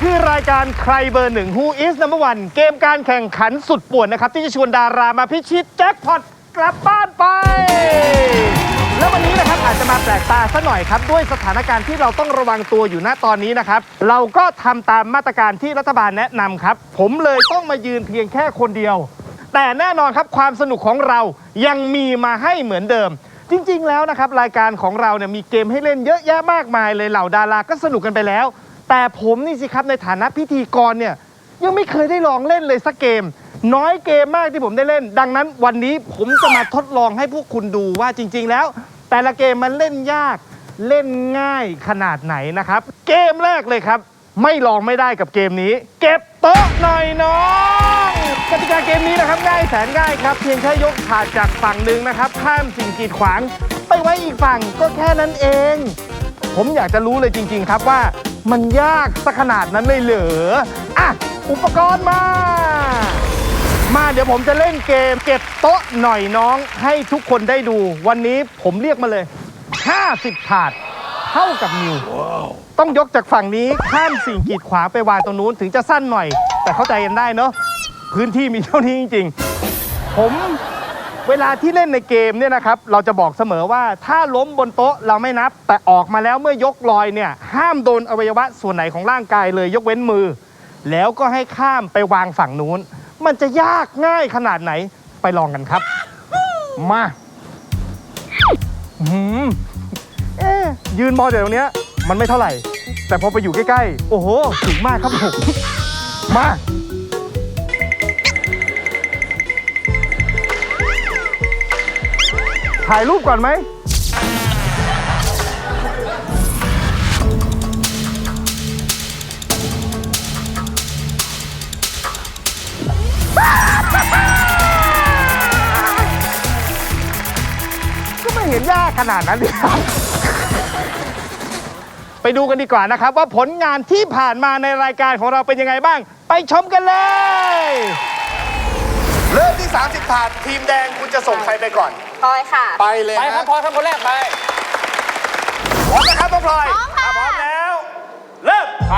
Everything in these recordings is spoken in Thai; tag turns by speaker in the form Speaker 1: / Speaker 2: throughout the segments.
Speaker 1: คือรายการใครเบอร์หนึ่ง Who is number one เกมการแข่งขันสุดป่วนนะครับที่จะชวนดารามาพิชิตแจ็คพอตกลับบ้านไป แล้ววันนี้นะครับอาจจะมาแปลกตาซะหน่อยครับด้วยสถานการณ์ที่เราต้องระวังตัวอยู่ณตอนนี้นะครับเราก็ทำตามมาตรการที่รัฐบาลแนะนำครับผมเลยต้องมายืนเพียงแค่คนเดียว แต่แน่นอนครับความสนุกของเรายังมีมาให้เหมือนเดิมจริงๆแล้วนะครับรายการของเราเนี่ยมีเกมให้เล่นเยอะแยะมากมายเลยเหล่าดาราก็สนุกกันไปแล้วแต่ผมนี่สิครับในฐานะพิธีกรเนี่ยยังไม่เคยได้ลองเล่นเลยสักเกมน้อยเกมมากที่ผมได้เล่นดังนั้นวันนี้ผมจะมาทดลองให้พวกคุณดูว่าจริงๆแล้วแต่ละเกมมันเล่นยากเล่นง่ายขนาดไหนนะครับเกมแรกเลยครับไม่ลองไม่ได้กับเกมนี้เก็บโต๊ะหน่อยน้องกติกาเกมนี้นะครับง่ายแสนง่ายครับเพียงแค่ยกถาดจากฝั่งหนึ่งนะครับข้ามสิ่งกีดขวางไปไว้อีกฝั่งก็แค่นั้นเองผมอยากจะรู้เลยจริงๆครับว่ามันยากสักขนาดนั้นเลยเหรออ่ะอุปกรณ์มาเดี๋ยวผมจะเล่นเกมเก็บโต๊ะหน่อยน้องให้ทุกคนได้ดูวันนี้ผมเรียกมาเลย50ถาดเท่ากับนิวต้องยกจากฝั่งนี้ข้ามสิ่งกีดขวางไปวางตรงนู้นถึงจะสั้นหน่อยแต่เข้าใจกันได้เนาะพื้นที่มีเท่านี้จริงๆผมเวลาที่เล่นในเกมเนี่ยนะครับเราจะบอกเสมอว่าถ้าล้มบนโต๊ะเราไม่นับแต่ออกมาแล้วเมื่อยกลอยเนี่ยห้ามโดนอวัยวะส่วนไหนของร่างกายเลยยกเว้นมือแล้วก็ให้ข้ามไปวางฝั่งนู้นมันจะยากง่ายขนาดไหนไปลองกันครับมายืนมองจากตรงเนี้ยมันไม่เท่าไหร่แต่พอไปอยู่ใกล้ๆโอ้โหสูงมากครับผมมาถ่ายรูปก่อนไหมก็ไม่เห็นยากขนาดนั้นเลยครับไปดูกันดีกว่านะครับว่าผลงานที่ผ่านมาในรายการของเราเป็นยังไงบ้างไปชมกันเลยเริ่มที่30ถาดทีมแดงคุณจะส่งใครไปก่อน
Speaker 2: พลอยค่ะ
Speaker 1: ไปเลย
Speaker 3: ไปครับพลอยครับคนแรกไป
Speaker 1: พร้อมนะครับน้องพลอยพร้อมแล้วเริ่ม
Speaker 3: ไป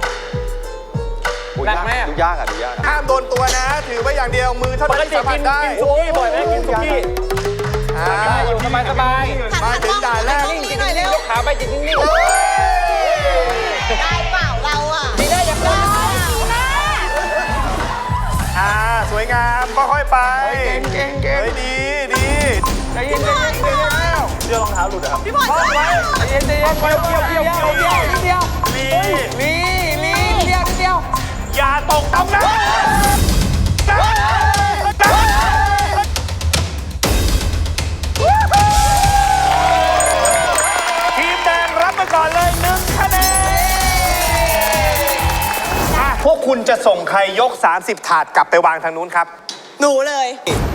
Speaker 3: หนักไหม
Speaker 4: ดูยากดูยาก
Speaker 1: ห้ามโดนตัวนะถือไว้อย่างเดียวมือเท่านั้นที่สัมผัสได้
Speaker 3: กินซุกี้บ่อยไหมกินซุกี้ได้อยู่สบาย
Speaker 1: มาถึงด่านแรก
Speaker 3: นิ่งๆยกขาไปจิตนิ่งๆ
Speaker 2: ได้เปล่าเราอ่ะ
Speaker 3: ไม่ได้ยังได้
Speaker 1: สวยงามค่อยๆไป
Speaker 3: เก่ง
Speaker 1: ดี
Speaker 3: ใจเย็นเดี๋ยวรองเท้าหลุดอ่ะ
Speaker 2: พี่บอล
Speaker 3: ใจเย็นเกี่ยวนิดเดียว
Speaker 1: อย่าตกตำนะทีมแดงรับไปก่อนเลย1คะแนนพวกคุณจะส่งใครยก30ถาดกลับไปวางทางนู้นครับ
Speaker 2: หนูเลย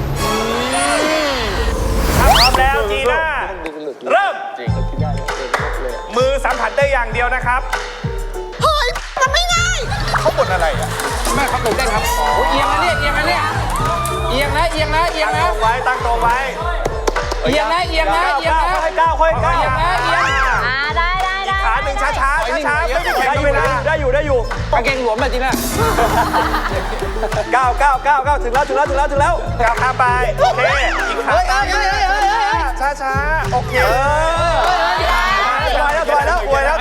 Speaker 1: พร้อมแล้วจีน่าเริ่มมือสัมผัสได้อย่างเดียวนะครับ
Speaker 2: เฮ้ยมันไม่ง่าย
Speaker 1: เขาบ่นอะไรอ่ะ
Speaker 3: แม่ครับหนูได้ครับเอียงนะเอียงนะ
Speaker 1: ตั้งตรงไว้
Speaker 3: เอียงนะ
Speaker 1: ค่อยก้าว
Speaker 3: ได้
Speaker 1: อีกขาหนึ่งช้าไม่ได้แข่งเวลา
Speaker 3: ได้อยู่กางเกงหลวมแบบจีน่า
Speaker 1: ก้าวถึงแล้วก้าวข้ามไปโอเคอีกขาช้าโอเคถอยแล้วตอนวาง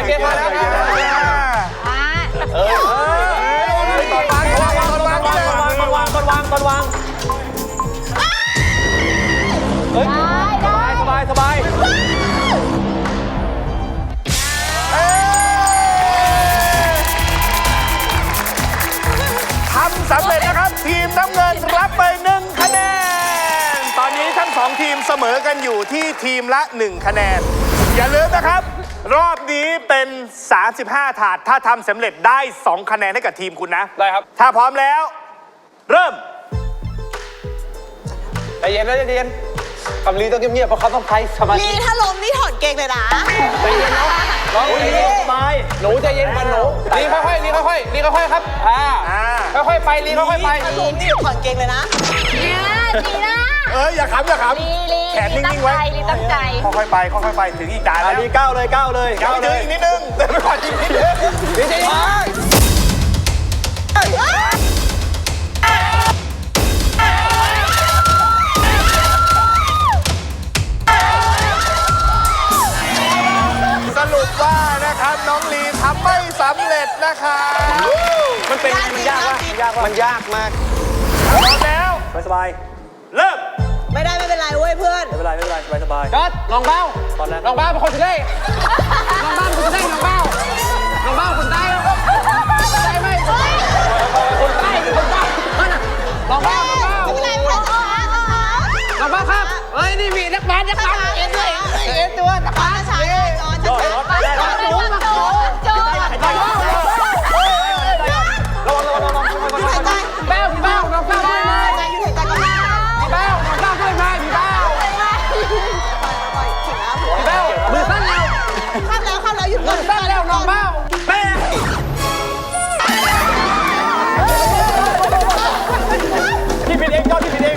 Speaker 3: เฮ้ยสบาย
Speaker 1: ทำสำเร็จนะครับทีมน้ำเงินรับไป1คะแนนตอนนี้ทั้ง2ทีมเสมอกันอยู่ที่ทีมละ1คะแนนอย่าลืมนะครับรอบนี้เป็น35ถาดถ้าทำสำเร็จได้2คะแนนให้กับทีมคุณนะ
Speaker 3: ได้ครับ
Speaker 1: ถ้าพร้อมแล้วเริ่ม
Speaker 3: ใจเย็นคำลีต้องเงียบๆเพราะเขาต้องใช้สมาธิ
Speaker 2: ลีถ้าล้มนี่ถอดเกงเลยนะ
Speaker 3: ใจเย็นนะน้องลีสบายหนูใจเย็นก่อนหนูลีค่อยครับค่อยๆไปลีค่อยๆไป
Speaker 2: ถ้าล้มนี่ถอดเกงเลยนะ
Speaker 1: ดีนะอย่าขำแขนนิ่งๆไว้
Speaker 2: ลีตั้งใจ
Speaker 1: ค่อยๆไปถึงอีกด่านแล้ว
Speaker 3: ลีก้าวเลย
Speaker 1: ยังไม่ถึงอีกนิดนึงเดินไปก่อนอีกนิดนึง
Speaker 3: ลีใจเย็น
Speaker 1: สรุปว่านะครับน้องลีทำไม่สำเร็จนะครับ
Speaker 3: มันเป็นไงมันยากวะมันยากมาก
Speaker 1: พร้อมแล้ว
Speaker 3: สบาย
Speaker 1: เริ่ม
Speaker 2: ไม่ได้ไม่เป็นไรเว้ยเพื่อน
Speaker 3: ไม่เป็นไรสบายจอดลองเบ้าตอนแรกลองเบ้าเป็นคนสุดได้ลองเบ้าเป็นคนสุดได้ลองเบ้าคนได้ได้ไหมคนได้คนเบ้าลองเบ้า
Speaker 2: ไม่เป็นไรไม่เป็นไร
Speaker 3: ลองเบ้าครับเฮ้ยนี่มีนักบาสเอ็นด้วยเอ็นตัวนักบาส
Speaker 2: ช้าๆจอนช้าๆจอนจอนจอน
Speaker 3: เบ้าพี่เบ้าน้องเบ้าด้วยไหม
Speaker 2: อยู่ถึงใจก็ได้
Speaker 3: พี่เบ้าน้องเบ้าด้วยไหมพี่เบ้าพี่เบ้ามือสั้นแล้ว
Speaker 2: ข้ามแล้วหยุดก่อน
Speaker 3: สั้นแล้วน้องเบ้าแม่
Speaker 1: พี่ผิดเองยอดพี่ผิดเอง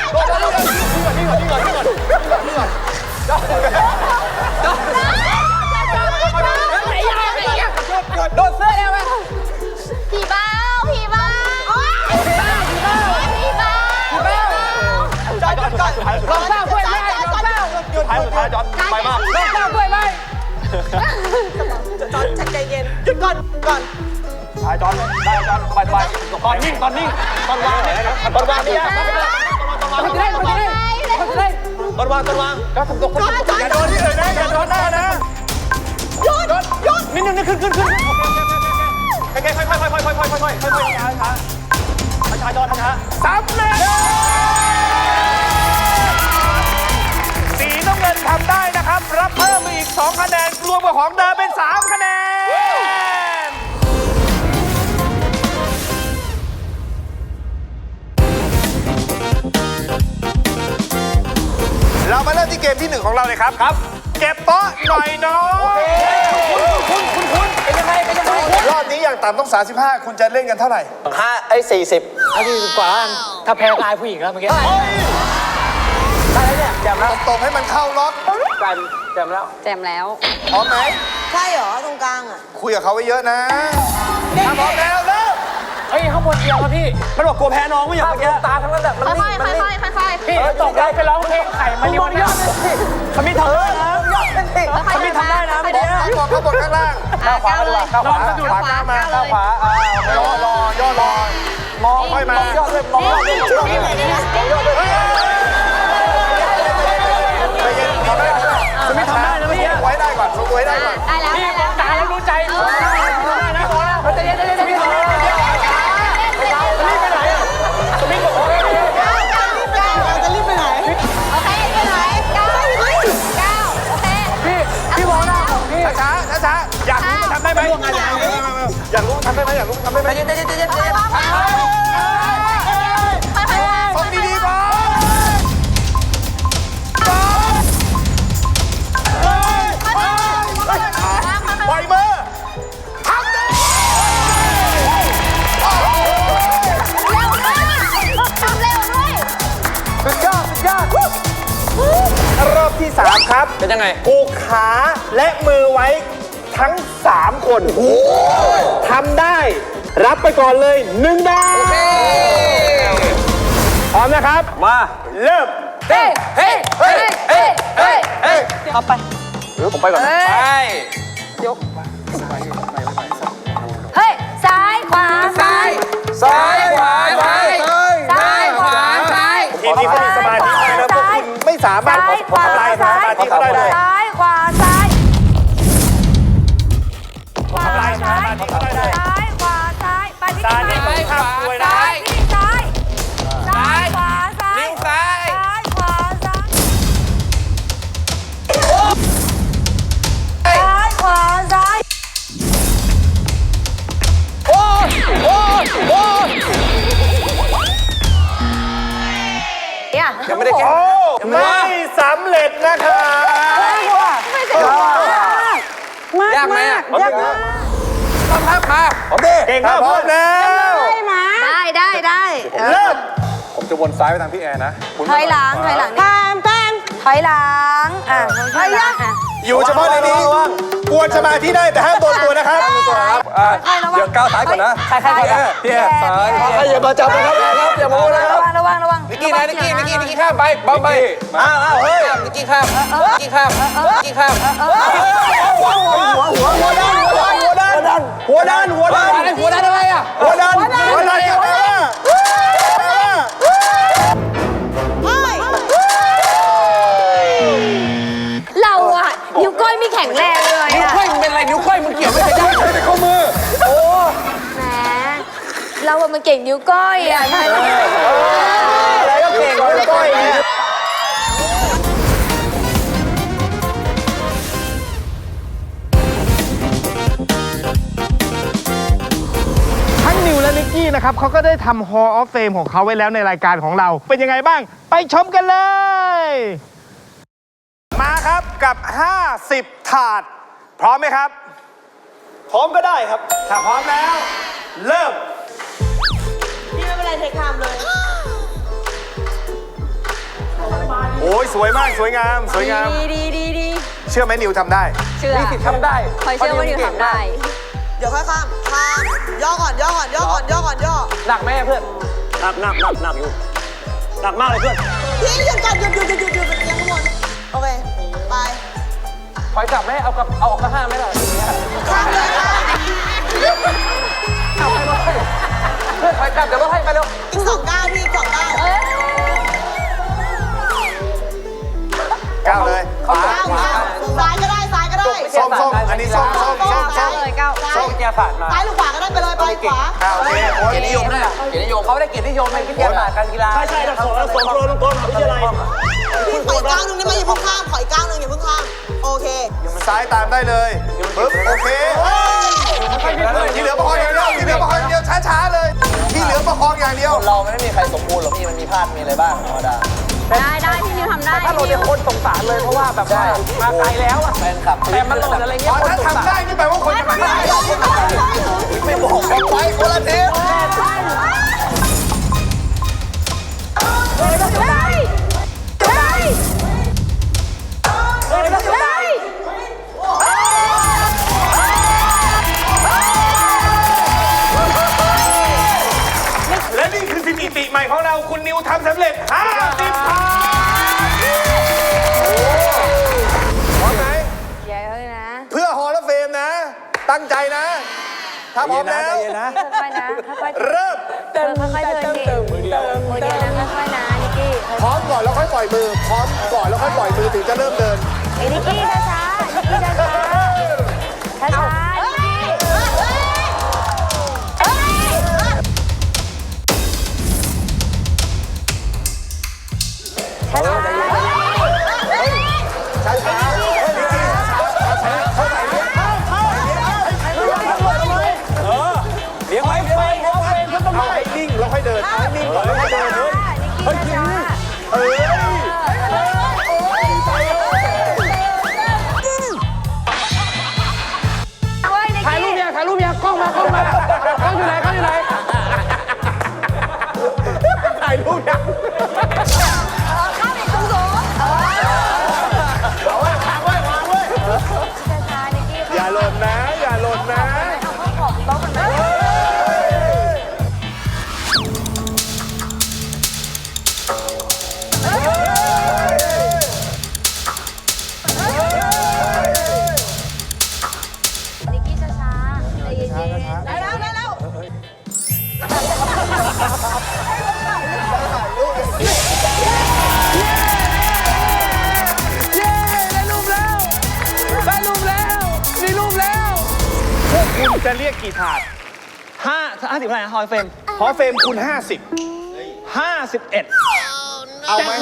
Speaker 3: โดนเสื้อแล้วไหม
Speaker 2: ผีบ้าผีบ้าผีบ้าผีบ้าผีบ้า
Speaker 3: พี่เบ้า
Speaker 1: จอดก่อน
Speaker 3: ลองเบ้าด้วยไหมลองเบ้า
Speaker 1: หยุดท้ายสุดท้ายจอดไปมาก
Speaker 3: ลองเบ้าด้วยไหม
Speaker 2: จอนใจเย็นหยุดก่อน
Speaker 1: ท้ายจอดได้จอดสบายตอนนิ่งตอนวางเนี่ยตอนวางเนี่ย
Speaker 3: คนจะได้ตอนวางก็ทำตัวคน
Speaker 1: อย่าโดนที่อื่นนะอย่าโดนหน้านะหยุดนิดนึงขึ้นค่อยช้าจอดช้าสำเร็จสีน้ำเงินทำได้นะครับรับเพิ่มอีก2คะแนนรวมกับของเดิมเป็น3คะแนนเรามาเริ่มที่เกมที่1ของเราเลยครับเก็บโต๊ะหน่อยน้องคุณ
Speaker 3: เป็นยังไง
Speaker 1: รอบนี้อย่างต่ำต้อง35คุณจะเล่นกันเท่าไหร่
Speaker 3: 40เอาดีกว่าถ้าแพ้ตายผู้หญิงแล้วเมื่อกี้ได้แล้วเนี่ยแจมแล้ว
Speaker 1: ตบให้มันเข้าล็อก
Speaker 3: แจมแล้ว
Speaker 2: แจมแล้ว
Speaker 1: พร้อมไหม
Speaker 2: ใช่เหรอตรงกลางอ่ะ
Speaker 1: คุยกับเขาไว้เยอะนะถ้าพร้อมแล้วเริ่ม
Speaker 3: เฮ้ยข้างบนเดียวครับพี่มันบอกกลัวแพ้น้องไม่อยากเมื่อกี้ตาทั้งนั้นแบบมัน
Speaker 2: ค่
Speaker 3: นิ่
Speaker 2: อย
Speaker 3: งมันนิ่ง
Speaker 2: ๆ
Speaker 3: พี่ตกได้ไปร้องเพลงไข่มาริโอนี่ขมิ้นทำได้นะขมิ้นทำได้นะเมื่อกี้
Speaker 1: เขาบนข้างล่าง
Speaker 3: ข้าวขวาเลยข้าวขวา
Speaker 1: ขวาก้าวมาข้าวขวาย่อรอมองค่อยมาม
Speaker 3: องยอดเลยมองยอดเลย
Speaker 1: ใจเย็นทำได้
Speaker 3: ขมิ้นทำได้นะเมื่อกี้
Speaker 1: ไว้ได้ก่อนไว้ได้ก่อน
Speaker 3: พี่มองตาแล้วรู้ใจนะเขาจะเย็นขมิ้นทำได้ขมิ้นไปไหนอ่ะขมิ้นบอกว่า
Speaker 2: จะรีบไปไหนโอเคไปไหน9โอเค
Speaker 3: พี่มองหน้าผมพี่
Speaker 1: ช้าอยากรู้มันทำได้ไหมอยากรู้ทำได้ไหมอยากรู้ทำได้ไหม
Speaker 3: เย็น
Speaker 1: ฟังดีๆก่อนปล่อยมือทำได้สุดยอดรอบที่ 3 ครับ
Speaker 3: เป็นยังไง
Speaker 1: ผูกขาและมือไว้ทั้ง 3 คนทำได้รับไปก่อนเลย1 ดาวพร้อมนะครับ
Speaker 3: มา
Speaker 1: เริ่ม
Speaker 3: เฮ้เข้าไปหรือผมไปก่อนไป
Speaker 2: เฮ้ยซ้ายขวาซ้าย
Speaker 3: ซ้ายขวาซ้าย
Speaker 2: ซ้ายขวาซ้าย
Speaker 1: ทีมนี้เขามีสมาธินะพวกคุณไม่สามารถทำลายสมาธิเขาได้เลย
Speaker 2: ซ้ายขวาซ้ายขวา
Speaker 1: ทำลายส
Speaker 2: ซ้าย
Speaker 1: มาธิเขาได้เลย
Speaker 2: ซ้ายขวาซ้ายไปที่
Speaker 1: ซ้าย
Speaker 2: ไหน
Speaker 1: นี่ข้ามด้วยนะ
Speaker 2: ซ้ายที่ซ้ายซ้ายขวาซ้าย
Speaker 3: นิ้วซ้าย
Speaker 2: ซ้ายขวาซ้ายซ้ายขวาซ้าย
Speaker 3: โอ้ยังไม่ได้แก้
Speaker 1: โอ้ไม่สำเร็จนะครับ
Speaker 3: ยากไหมอ่ะยากมากต้องพักมาผมดิ
Speaker 1: เก่งมากพร้อมแล้ว
Speaker 2: ได้
Speaker 1: เริ่ม
Speaker 4: ผมจะวนซ้ายไปทางพี่แอร์นะ
Speaker 2: ถอยหลังถอยหลังถอยหลังถอยหลังอ่ะถอยหลัง
Speaker 1: อยู่เฉพาะในนี้กวนสมาธิได้แต่ห้ามโดนตัวนะครับ
Speaker 4: เดี๋ยวก้าวซ้ายก่อนนะใครก่อนนะพี่ซ้าย
Speaker 3: ใครอย่ามาจับนะครับอย่ามาโม้นะครับ
Speaker 2: ระวัง
Speaker 3: นิกกี้ข้ามไปบอมไปอ้าวเฮ้ยนิกกี้ข้ามหัวด้านอะไรอ่ะหัวด้านอะไรอ่ะ
Speaker 2: เราอะนิ้วก้อยไม่แข็งแรงเลย
Speaker 3: นิ้ว
Speaker 2: อะ
Speaker 3: ก้อยมันเป็นอะไรนิ้วก้อยมันเกี่ยวไม่ได้แต่ข้อมือโอ้
Speaker 2: แหมเราอะมันเก่งนิ้วก้อยอะใช่ไหม
Speaker 3: อะไรก็เก่งนิ้วก้อยเนี่ย
Speaker 1: ทั้งนิวและนิกกี้นะครับเขาก็ได้ทำ Hall of Fame ของเขาไว้แล้วในรายการของเรา เป็นยังไงบ้าง ไปชมกันเลย มาครับกับ 50 ถาด พร้อมไหมครับ พร้อมก็ได้ครับ ถ้าพร้อมแล้ว เริ่ม
Speaker 2: นี่ไม่เป็นไรเทคไทม์เลย
Speaker 1: โอ้ยสวยมากสวยงาม สวยงาม
Speaker 2: ดี
Speaker 1: เชื่อไหมนิวทำได้
Speaker 2: เชื่อ
Speaker 3: มีสิทธิ์ทำได้
Speaker 2: คอยเชื่อว่านิวทำได้
Speaker 5: เดี๋ยวค่อยข้ามย่อก่อนย่อ
Speaker 3: หนักไหมเพื่อน
Speaker 4: หนักอยู่หนักมากเลยเพื่อน
Speaker 5: พี่หยุดก่อนหยุดเป็นยังข้างบนโอเค ไป
Speaker 3: ถอยกลับไหมเอาออกก็ห้ามไหมล่ะ
Speaker 5: ข้ามเลยค่ะ
Speaker 3: เอาไปเลยเพื่อนถอยกลับเดี๋ยวรถให้ไปเร็ว
Speaker 5: อีก2 ก้าวพี่อีก2 ก้าว
Speaker 1: ก้าวเลย
Speaker 3: ขวา
Speaker 5: ซ้ายก็ได้
Speaker 1: ส้มอันนี้ส้ม
Speaker 2: เลยก้าว
Speaker 3: ส้มแกผ่านมา
Speaker 5: ซ้ายหรือขวาก็ได้ไปเลยไปขวา
Speaker 1: ก้าวโอเคโอ้ย
Speaker 3: เกียรตินิยมด้วยเกียรตินิยมเขาได้เกียรตินิยมในวิทยาศาสตร์การกีฬา
Speaker 4: ใช่ส่งโปรลงกรมวิทยาลัย
Speaker 5: พี่ขออีกก้าวนึงได้ไหมอย่าเพิ่งข้ามขออีกก้าวนึงอย่าเพิ่งข้ามโอเค
Speaker 1: ซ้ายตามได้เลยปึ๊บโอเคที่เหลือประคองอย่างเดียวช้าๆเลย ที่เหลือประคองอย่างเดียว
Speaker 3: เราไม่ได้มีใครสมบูรณ์หรอกพี่มันมีพลาดมีอะไรบ้างธรรมดา
Speaker 2: ได้พี่นิวทำได้
Speaker 3: ถ้าเราเป็นคนสงสารเลยเพราะว่าแบบว่ามาไกลแล้วอะแฟนคลับแต่มันหล่นอะไรเงี้ย
Speaker 1: ถ้าทำได้นี่แปลว่าคนจะมาได้
Speaker 3: ไม่บอกกันไว้คนละที
Speaker 1: และนี่คือสถิติใหม่ของเราคุณนิวทำสำเร็จ 50 ถาดพร้อมไหม
Speaker 2: เดี๋ยวนะ
Speaker 1: เพื่อฮอลล์เฟมนะ ตั้งใจนะ ถ้าพร้อมแล้ว
Speaker 2: ค่อยๆนะค่อยๆ
Speaker 1: เริ่ม
Speaker 2: ค่อยๆเดินดิมือเดียวนะค่อยๆนะนิกกี้
Speaker 1: พร้อมก่อนแล้วค่อยปล่อยมือ พร้อมก่อนแล้วค่อยปล่อยมือถึงจะเริ่มเดิน
Speaker 2: นิกกี้ช้าๆนิกกี้ช้าๆช้าๆนิกกี้ช้าๆ
Speaker 4: เลี้ยงไว้
Speaker 1: เอาให้นิ่งแล้วค่อยเดินเอาให้นิ่งก่อนแล้วค่อยเดินเฮ้ยเอ้ย
Speaker 3: ถ่ายรูปยังกล้องมากล้องอยู่ไหน
Speaker 1: ถ่ายรูปยังอย่าหล่นนะอย่าหล่นนะ
Speaker 2: นิกกี้ช้าๆใจเย็นๆ
Speaker 5: ได้แล้ว
Speaker 1: คุณจะเรียกกี่ถาด
Speaker 4: 50เท่าไหร่นะฮอยเฟม
Speaker 1: ฮอลล์เฟมคุณ
Speaker 4: 51
Speaker 1: เอาไหม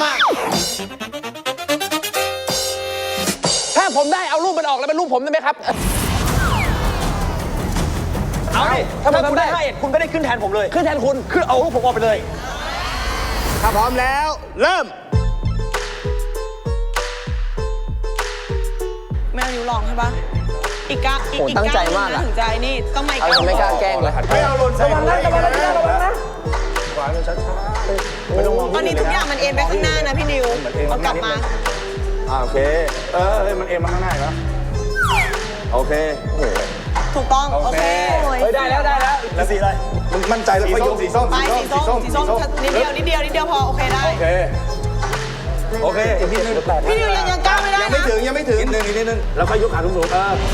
Speaker 3: ถ้าผมได้เอารูปมันออกแล้วเป็นรูปผมได้ไหมครับ
Speaker 4: เอาดิถ้าคุณได้51คุณก็ได้ขึ้นแทนผมเลย ขึ้นแทนคุณคือเอารูปผมออกไปเลย
Speaker 1: ถ้าพร้อมแล้ว เริ่ม
Speaker 5: แมวนิ้วลองใช่ปะอีกก้าว
Speaker 3: โหตั้งใจมากอะ
Speaker 5: ถึงใจนี่ต้องมาอีก
Speaker 3: เอา
Speaker 5: ก้าว
Speaker 3: ไม่กล้าแกล้งเลย
Speaker 1: ไม่เอาหล่นใส่หัวอีกนะ
Speaker 5: ตอนนี้ทุกอย่างมันเอ็นไปข้างหน้านะพี่นิวเอากลับมา
Speaker 4: โอเคเฮ้ยมันเอ็นมาข้างหน้าอีกแล้วโอเคโอ้โห
Speaker 5: ถูกต้อง โอเค
Speaker 4: เฮ้ยได้แล้วแล้วสีอะไรมึงมั่นใจแล้วก็ยกสีส้ม
Speaker 5: ไปสีส้มนิดเดียวพอ โอเคได้
Speaker 4: โอเคอีกนิดนึง
Speaker 5: พี่นิวยังก้าวไม่ได้นะ
Speaker 4: ยังไม่ถึงนิดนึงแล้วก็ยกขาสูงๆ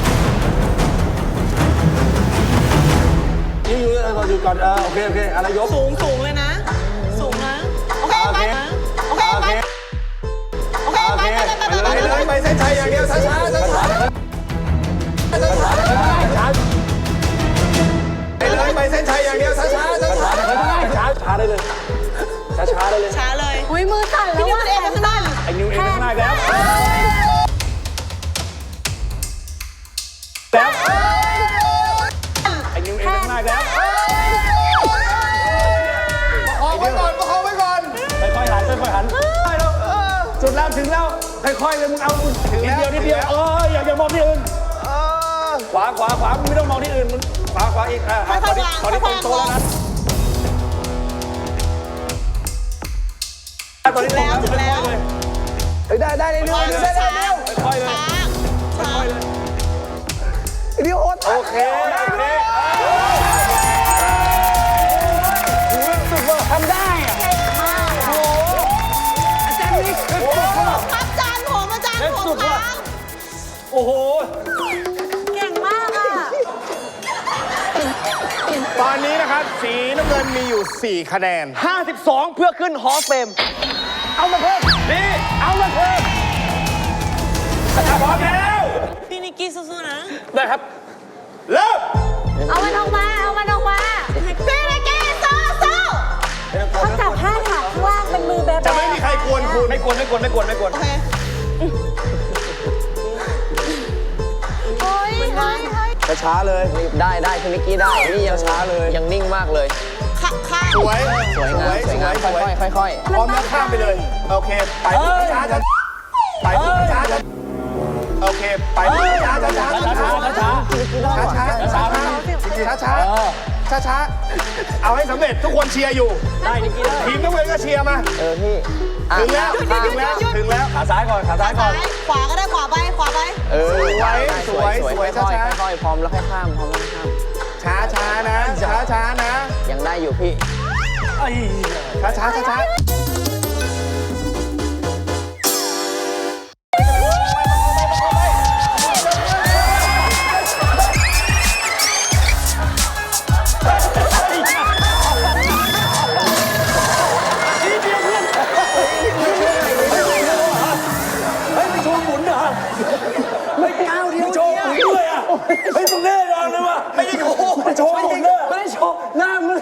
Speaker 4: นี่เราอยู่ก่อนโอเคอะไรยก
Speaker 5: สูงเลยนะ สูงนะ โอเคไปโอเคไปโอเคไป
Speaker 4: เลยไปเส้นชัยอย่างเดียวช้าไปเส้นชัยอย่างเดียวช้าได้เลยช้าได้เลย
Speaker 5: ช้าเลย
Speaker 2: อุ้ยมือสั่นแล้ว
Speaker 5: พี่นิวมันเอ็นไปข้างหน้า
Speaker 4: ไอ้นิวเอ็นข้างหน้าแล้ว ไอ้นิวเอ็นข้างหน้าแล้วประคองไว้ก่อนค่อยๆหันจุดแล้วถึงแล้วค่อยๆเลยมึงเอาถึงนิดเดียวอย่ามองที่อื่นขวามึงไม่ต้องมองที่อื่นมึงขวาอีกตอนนี้ตรงโตแล้วนะตอนนี้ถึงแล้วได้เร็วค่อยๆเลยเดี๋ยวโอเคทำได้อะโอ้อาจารย์นี่คือ
Speaker 5: อาจารย์ผมครับ
Speaker 4: โอ้โห
Speaker 2: เก่งมากอ่ะ
Speaker 1: ตอนนี้นะครับสีน้ำเงินมีอยู่ 4 คะแนน
Speaker 4: 52 เพื่อขึ้นฮอสเฟมเอามาเพิ่มนี่เอามาเพิ่มพร้อมแล้ว
Speaker 5: พี่นิกกี้สู้ๆนะ
Speaker 4: ได้ครับเริ่ม
Speaker 2: เอามันออกมา
Speaker 5: พี่นิกกี้สู้
Speaker 2: เขาจับผ้าถักข้างล่างเป็นมือแบบ
Speaker 1: จะไม่มีใครกวนคุณ
Speaker 4: ไม่กวน
Speaker 5: โอเค
Speaker 4: ช้าเลย
Speaker 3: ได้พี่นิกกี้ได้ นี่ยังช้าเลย ยังนิ่งมากเลย
Speaker 5: ข้าง
Speaker 1: สวย
Speaker 3: สวยงามค่อย
Speaker 1: พร้อมแล้วข้ามไปเลย โอเค ไปช้าไปช้าโอเค ไปช้าเอาให้สำเร็จทุกคนเชียร์อยู่
Speaker 3: ได้นิกกี้ได้
Speaker 1: ทีมน้ำเงินก็เชียร์มา
Speaker 3: พี่
Speaker 1: ถึงแล้ว
Speaker 4: ขาซ้ายก่อน
Speaker 5: ขวาก็ได้ขวาไป
Speaker 1: สวยช้า
Speaker 3: ค่อยพร้อมแล้วค่อยข้าม
Speaker 1: ช้านะช้านะ
Speaker 3: ยังได้อยู่พี่
Speaker 1: ช้า
Speaker 4: ไม่ก้าวเดียวโชว์ด้วยอ่ะเฮ้ยมึงแน่นอนเลยว่ะไม่ได้โชว์ไม่ได้โชว์หน้ามึง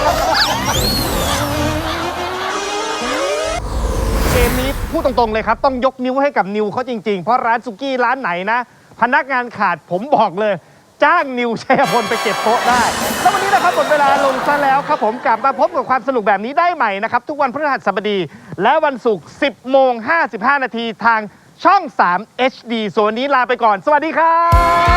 Speaker 1: เกมนี้พูดตรงๆเลยครับต้องยกนิ้วให้กับนิวเขาจริงๆเพราะร้านสุกี้ร้านไหนนะพนักงานขาดผมบอกเลยจ้างนิวชัยพลไปเก็บโต๊ะได้แล้ววันนี้นะครับหมดเวลาลงซะแล้วครับผมกลับมาพบกับความสนุกแบบนี้ได้ใหม่นะครับทุกวันพฤหัสบดีและวันศุกร์10:55 นาทีทางช่อง 3 HD ส่วนวันนี้ลาไปก่อนสวัสดีครับ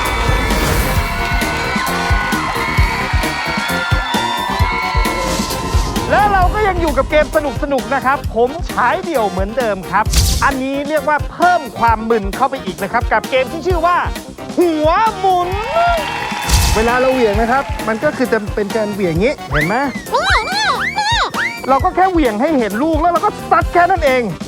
Speaker 1: แล้วเราก็ยังอยู่กับเกมสนุกๆนะครับผมฉายเดี่ยวเหมือนเดิมครับอันนี้เรียกว่าเพิ่มความมึนเข้าไปอีกนะครับกับเกมที่ชื่อว่าหัวหมุนเวลาเราเหวี่ยงนะครับมันก็คือจะเป็นการเหวี่ยงงี้เห็นไหมเราก็แค่เหวี่ยงให้เห็นลูกแล้วเราก็ซัดแค่นั้นเอง